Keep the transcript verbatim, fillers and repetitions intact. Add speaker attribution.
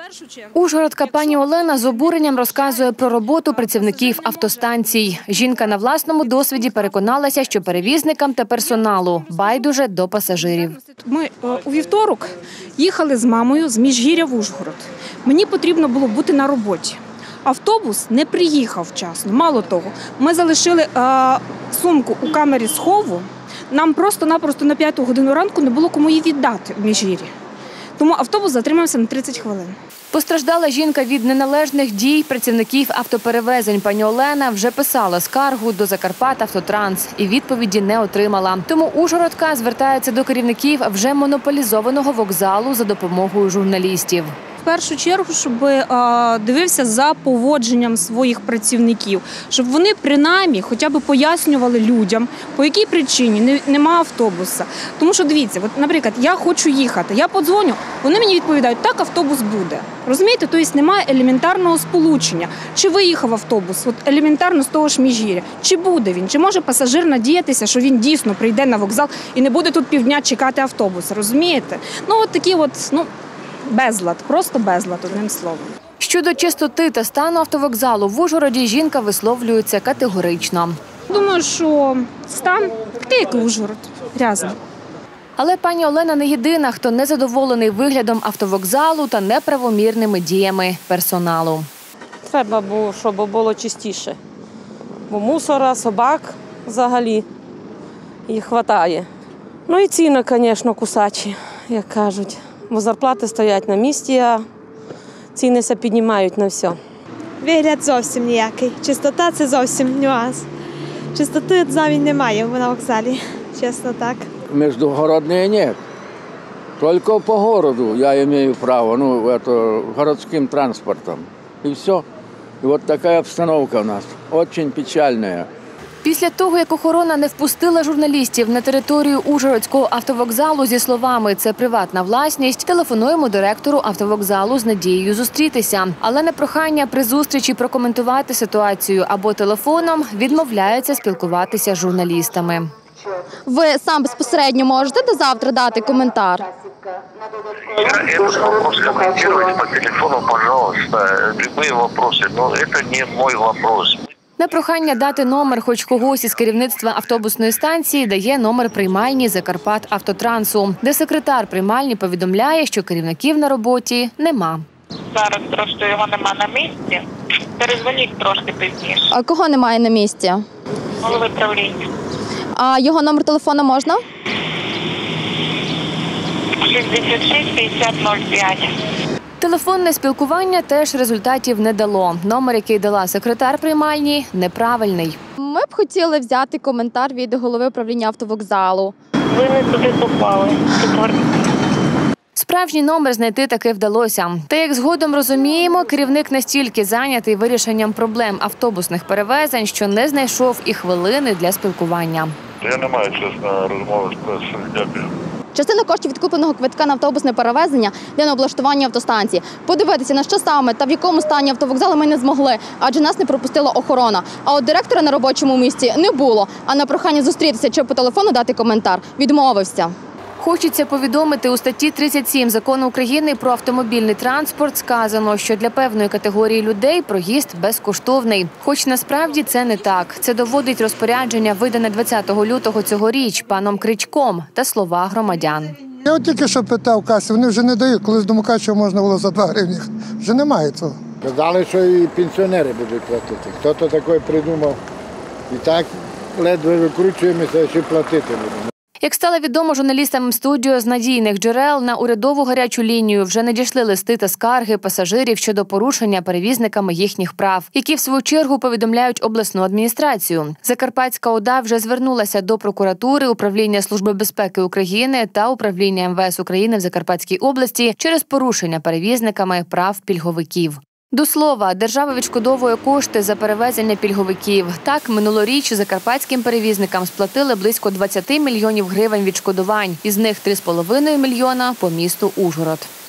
Speaker 1: Ужгородка пані Олена з обуренням розказує про роботу працівників автостанцій. Жінка на власному досвіді переконалася, що перевізникам та персоналу байдуже до пасажирів.
Speaker 2: Ми у вівторок їхали з мамою з Міжгір'я в Ужгород. Мені потрібно було бути на роботі. Автобус не приїхав вчасно. Мало того, ми залишили е, сумку у камері схову. Нам просто-напросто на п'яту годину ранку не було кому її віддати у Міжгір'ї. Тому автобус затримався на тридцять хвилин.
Speaker 1: Постраждала жінка від неналежних дій працівників автоперевезень. Пані Олена вже писала скаргу до «Закарпатавтотранс» і відповіді не отримала. Тому ужгородка звертається до керівників вже монополізованого вокзалу за допомогою журналістів.
Speaker 2: В першу чергу, щоб дивився за поводженням своїх працівників, щоб вони принаймні хоча б пояснювали людям, по якій причині немає автобуса. Тому що, дивіться, от, наприклад, я хочу їхати, я подзвоню, вони мені відповідають, так, автобус буде. Розумієте? Тобто немає елементарного сполучення. Чи виїхав автобус, от елементарно з того ж Міжгір'я, чи буде він, чи може пасажир надіятися, що він дійсно прийде на вокзал і не буде тут півдня чекати автобус, розумієте? Ну, от такі от, ну, безлад, просто безлад, одним словом.
Speaker 1: Щодо чистоти та стану автовокзалу в Ужгороді жінка висловлюється категорично.
Speaker 2: Думаю, що стан такий, як і Ужгород, грязний.
Speaker 1: Але пані Олена не єдина, хто незадоволений виглядом автовокзалу та неправомірними діями персоналу.
Speaker 3: Треба було, щоб було чистіше. Бо мусора, собак взагалі їх вистачає. Ну і ціни, звісно, кусачі, як кажуть. Бо зарплати стоять на місці, а ціни се піднімають на все.
Speaker 4: Вигляд зовсім ніякий. Чистота – це зовсім нюанс. Чистоти навіть немає на вокзалі, чесно так.
Speaker 5: Междугородные нет. Только по городу я имею право, ну, это, городским транспортом. И все. И вот такая обстановка у нас. Очень печальная.
Speaker 1: Після того, як охорона не впустила журналістів на територію Ужгородського автовокзалу зі словами «це приватна власність», телефонуємо директору автовокзалу з надією зустрітися. Але на прохання при зустрічі прокоментувати ситуацію або телефоном відмовляється спілкуватися з журналістами.
Speaker 6: Ви сам безпосередньо можете до завтра дати коментар?
Speaker 7: Этот вопрос комментировать по телефону, пожалуйста, любые вопросы, но это не мой вопрос.
Speaker 1: На прохання дати номер хоч когось із керівництва автобусної станції дає номер приймальні «Закарпатавтотрансу», де секретар приймальні повідомляє, що керівників на роботі нема.
Speaker 8: Зараз просто його нема на місці. Перезвоніть трошки пізніше.
Speaker 6: А кого немає на місці?
Speaker 8: Голови правління.
Speaker 6: А його номер телефону можна?
Speaker 8: шістдесят шість п'ятдесят нуль п'ять.
Speaker 1: Телефонне спілкування теж результатів не дало. Номер, який дала секретар приймальні, неправильний.
Speaker 6: Ми б хотіли взяти коментар від голови управління автовокзалу.
Speaker 8: Ви не туди попали.
Speaker 1: Справжній номер знайти таки вдалося. Та, як згодом розуміємо, керівник настільки зайнятий вирішенням проблем автобусних перевезень, що не знайшов і хвилини для спілкування.
Speaker 7: Я не маю часу на розмови з пресою. Дякую.
Speaker 6: Частина коштів від купленого квитка на автобусне перевезення для облаштування автостанції. Подивитися, на що саме та в якому стані автовокзалу ми не змогли, адже нас не пропустила охорона. А от директора на робочому місці не було, а на прохання зустрітися чи по телефону дати коментар відмовився.
Speaker 1: Хочеться повідомити, у статті тридцять сім Закону України про автомобільний транспорт сказано, що для певної категорії людей проїзд безкоштовний. Хоч насправді це не так. Це доводить розпорядження, видане двадцятого лютого цьогоріч паном Кричком та слова громадян.
Speaker 9: Я от тільки що питав в касі, вони вже не дають, колись до Мукачева можна було за два гривні. Вже немає цього.
Speaker 10: Казали, що і пенсіонери будуть платити. Хто-то таке придумав. І так ледве викручуємося, що платити будемо.
Speaker 1: Як стало відомо журналістам студіо з надійних джерел, на урядову гарячу лінію вже надійшли листи та скарги пасажирів щодо порушення перевізниками їхніх прав, які в свою чергу повідомляють обласну адміністрацію. Закарпатська ОДА вже звернулася до прокуратури, Управління Служби безпеки України та Управління ем ве ес України в Закарпатській області через порушення перевізниками прав пільговиків. До слова, держава відшкодовує кошти за перевезення пільговиків. Так, минулоріч закарпатським перевізникам сплатили близько двадцять мільйонів гривень відшкодувань, із них три з половиною мільйона по місту Ужгород.